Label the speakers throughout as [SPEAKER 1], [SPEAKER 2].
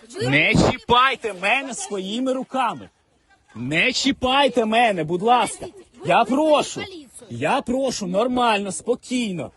[SPEAKER 1] Не чіпайте мене своїми руками. Не чіпайте мене, будь ласка. Я прошу, нормально, спокійно.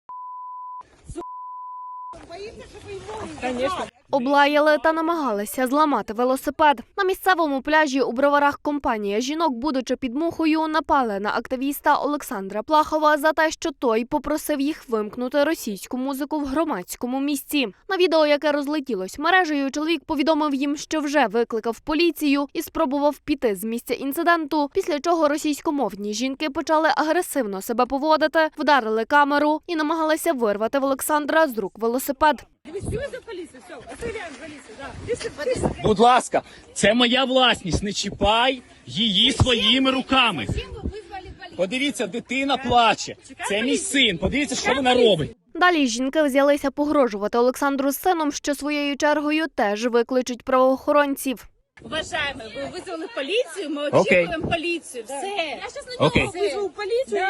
[SPEAKER 2] Облаяли та намагалися зламати велосипед. На місцевому пляжі у Броварах компанія жінок, будучи під мухою, напали на активіста Олександра Плахова за те, що той попросив їх вимкнути російську музику в громадському місці. На відео, яке розлетілось мережею, чоловік повідомив їм, що вже викликав поліцію і спробував піти з місця інциденту, після чого російськомовні жінки почали агресивно себе поводити, вдарили камеру і намагалися вирвати в Олександра з рук велосипед.
[SPEAKER 1] Будь ласка, це моя власність, не чіпай її своїми руками. Подивіться, дитина плаче. Це мій син, подивіться, що вона робить.
[SPEAKER 2] Далі жінки взялися погрожувати Олександру з сином, що своєю чергою теж викличуть правоохоронців.
[SPEAKER 3] Уважаємо, ви визвали поліцію, ми очікуємо поліцію. Все. Я зараз на нього визву поліцію.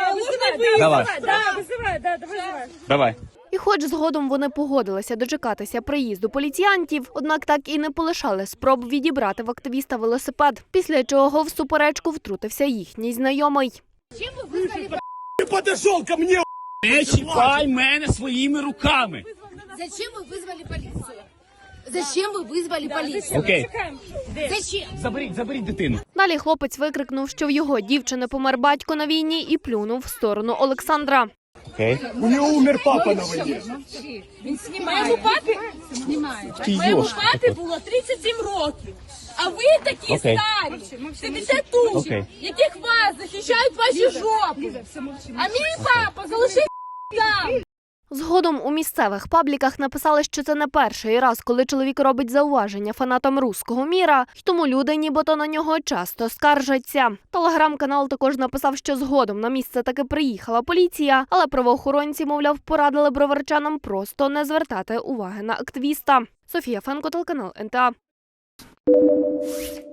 [SPEAKER 1] Давай.
[SPEAKER 2] І хоч згодом вони погодилися дочекатися приїзду поліціянтів, однак так і не полишали спроб відібрати в активіста велосипед, після чого в суперечку втрутився їхній знайомий.
[SPEAKER 1] Подошел ко мне, не чіпай мене своїми руками.
[SPEAKER 4] Зачем вы вызвали полицию? Зачем вы вызвали полицию?
[SPEAKER 1] Окей.
[SPEAKER 4] Зачем?
[SPEAKER 1] Заберіть дитину.
[SPEAKER 2] Далі хлопець викрикнув, що в його дівчини помер батько на війні, і плюнув в сторону Олександра.
[SPEAKER 1] Окей.
[SPEAKER 5] У нього умер папа на війні.
[SPEAKER 3] Моєму папі було 37 років. А ви такі старі, 50 тут, яких вас захищають ваші жопи. А мій папа залишив там.
[SPEAKER 2] Згодом у місцевих пабліках написали, що це не перший раз, коли чоловік робить зауваження фанатам руського міра, й тому люди нібито на нього часто скаржаться. Телеграм-канал також написав, що згодом на місце таки приїхала поліція, але правоохоронці, мовляв, порадили броварчанам просто не звертати уваги на активіста. Софія Фенко, телеканал НТА.